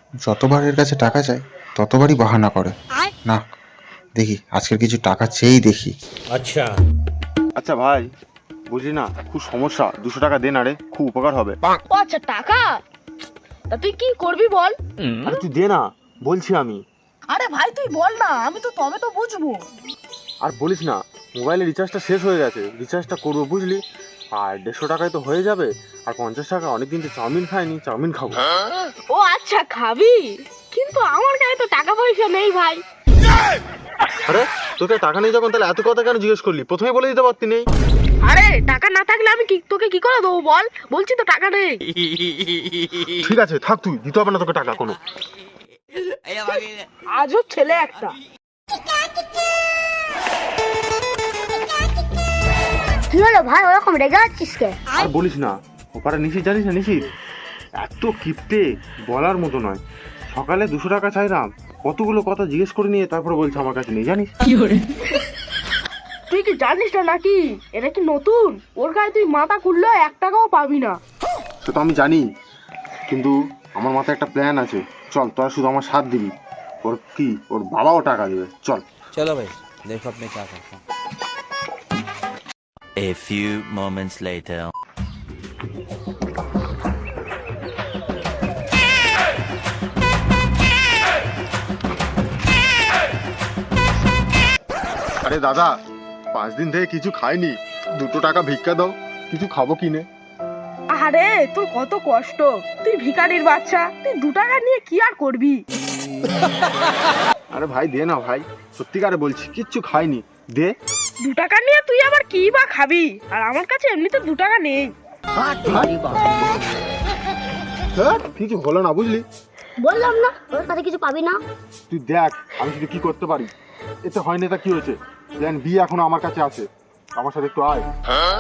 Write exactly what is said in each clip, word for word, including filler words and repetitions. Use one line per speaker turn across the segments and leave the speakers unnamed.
যতবার এর কাছে টাকা চাই ততবারই বাহানা করে। না, দেখি আজকের কিছু টাকা চেয়েই দেখি।
আচ্ছা
আচ্ছা ভাই, বুঝলি না খুব সমস্যা, দুশো টাকা দে না রে, খুব উপকার হবে।
ও আচ্ছা, টাকা? তা তুই কি করবি বল?
আরে তুই দে না, বলছি আমি।
আরে ভাই তুই বল না, আমি তো তবে তো বুঝবো।
আর বলিস না, মোবাইলের রিচার্জটা শেষ হয়ে গেছে, রিচার্জটা করবো বুঝলি। আর দেড়শো টাকায় তো হয়ে যাবে। আর পঞ্চাশ টাকা অনেকদিন তো চাউমিন খাইনি, চাউমিন খাবো।
ও আচ্ছা, খাবি? কিন্তু আমার কাছে তো টাকা পয়সা নেই ভাই।
আরে তোকে টাকা নেই যখন, তাহলে এত কথা কেন জিজ্ঞেস করলি? প্রথমে বলে দিতে পারতি নেই।
আরে টাকা না থাকলে আমি কি তোকে কি করে দেবো বল? বলছি তো টাকা নেই।
ঠিক আছে থাক, তুই দিতে হবে না তোকে টাকা কোনো।
আজও ছেলে একটা।
কি হলো ভাই, ওরকম রেগে যাচ্ছিস কে?
আর বলিস না, ওপারে নিশি জানিস না, নিশি এত কিপটে বলার মতো নয়। সকালে দুশো টাকা চাইলাম, কতগুলো কথা জিজ্ঞেস করে নিয়ে তারপরে বলছে আমার কাছে নেই, জানিস?
তুই কি জানিস না নাকি এটা কি নতুন? ওর গায়ে তুই মাথা খুললেও এক টাকাও পাবি না।
সে তো আমি জানি, কিন্তু আমার মাথায় একটা প্ল্যান আছে। চল, তোরা শুধু আমার সাথ দিবি। ওর কি, ওর বাবাও টাকা দেবে, চল।
चलो भाई देखो अब मैं क्या करता हूँ।
A few moments later.
আরে দাদা, পাঁচ দিন থেকে কিছু খাইনি, দুটো টাকা ভিক্ষা দাও, কিছু খাবো কিনে।
আরে তোর কত কষ্ট, তুই ভিখারির বাচ্চা, তুই দু টাকা নিয়ে কি আর করবি?
আরে ভাই দে না ভাই, সত্যিকারে বলছি, কিচ্ছু খাইনি, দে।
দু টাকা নিয়ে তুই আবার কি বা খাবি? আর আমার কাছে এমনিতে দু টাকা নেই।
ধ্যাৎ, কিছু হলো না বুঝলি।
বললাম না ওর কাছে কিছু পাবি না।
তুই দেখ আমি শুধু কি করতে পারি। এতে হয়নি তা কি হয়েছে, প্ল্যান বি এখনো আমার কাছে আছে, আমার সাথে একটু আয়।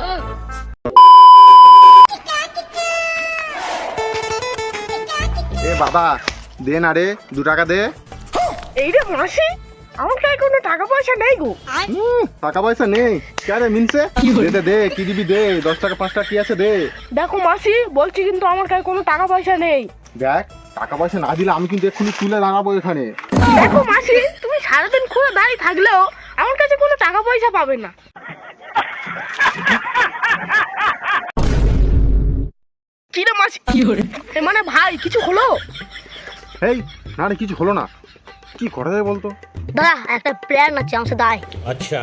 এ বাবা, দে না রে, দু টাকা দে।
এই রে মাসি, আমার কাছে কোনো টাকা পয়সা নেই গো।
হুম, টাকা পয়সা নেই কেন মিনসে? দে দে দে, কি দিবি দে, দশ টাকা পাঁচ টাকা কি আছে দে।
দেখো মাসি, বলছি কিন্তু আমার কাছে কোনো টাকা পয়সা নেই।
দেখ, টাকা পয়সা না দিলে আমি কিন্তু এক্ষুনি তুলে দাঁড়াবো এখানে।
দেখো মাসি, তুমি সারাদিন খুলে দাঁড়িয়ে থাকলেও আমার কাছে কোনো টাকা পয়সা পাবে না। কি রে মাসি, এ মানে ভাই কিছু হলো?
এই না রে, কিছু হলো না, কি করা যায় বলতো?
দাদা একটা প্ল্যান আছে, আমার সাথে আয়।
अच्छा